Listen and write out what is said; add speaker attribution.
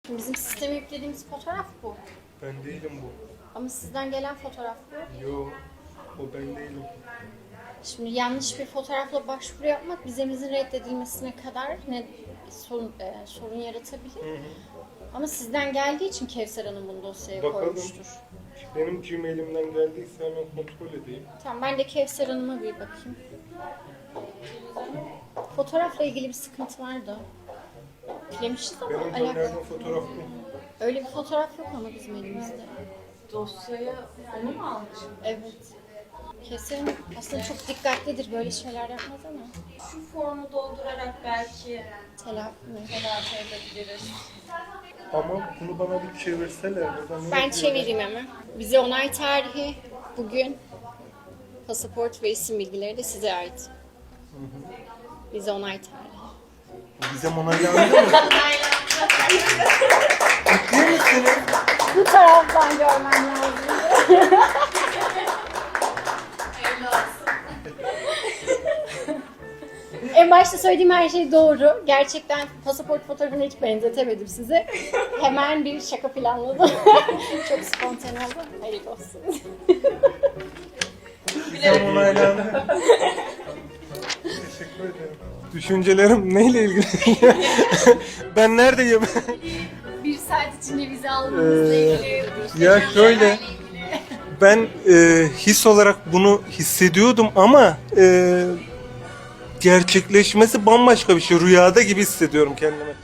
Speaker 1: Bizim sisteme yüklediğimiz fotoğraf bu.
Speaker 2: Ben değilim bu.
Speaker 1: Ama sizden gelen fotoğraf bu.
Speaker 2: Yo, o ben değilim.
Speaker 1: Şimdi yanlış bir fotoğrafla başvuru yapmak vizemizin reddedilmesine kadar sorun yaratabilir.
Speaker 2: Hı hı.
Speaker 1: Ama sizden geldiği için Kevser Hanım bunu dosyaya
Speaker 2: Bakalım.
Speaker 1: koymuştur.
Speaker 2: Benim Gmail'imden geldiyse hemen kontrol edeyim.
Speaker 1: Tamam, ben de Kevser Hanım'a bir bakayım. Fotoğrafla ilgili bir sıkıntı vardı. Yüklemişiz ama
Speaker 2: Benim
Speaker 1: alakalı.
Speaker 2: gönderdiğim fotoğraf bu.
Speaker 1: Öyle bir fotoğraf yok ama bizim elimizde.
Speaker 3: Dosyaya onu mu almış?
Speaker 1: Evet. Kesin aslında çok dikkatlidir, böyle şeyler yapmaz ama.
Speaker 3: Şu formu doldurarak belki
Speaker 1: Telafi mi?
Speaker 3: telafi edebiliriz.
Speaker 2: Ama bunu bana bir çevirseler.
Speaker 1: Ben çevireyim hemen. Bize onay tarihi bugün. Pasaport ve isim bilgileri de size ait. Bize onay tarihi.
Speaker 2: Vizem onaylandı mı? Ciddi misiniz?
Speaker 1: Bu taraftan görmem lazım. En başta söylediğim her şey doğru. Gerçekten pasaport fotoğrafını hiç benzetemedim size. Hemen bir şaka planladım. Çok spontane oldu. Hayırlı olsun.
Speaker 2: Vizem onaylandı. Teşekkür ederim. Düşüncelerim neyle ilgili? Ben neredeyim?
Speaker 1: Bir saat içinde vize almanızla ilgili.
Speaker 2: Ya şöyle, ben his olarak bunu hissediyordum ama gerçekleşmesi bambaşka bir şey. Rüyada gibi hissediyorum kendimi.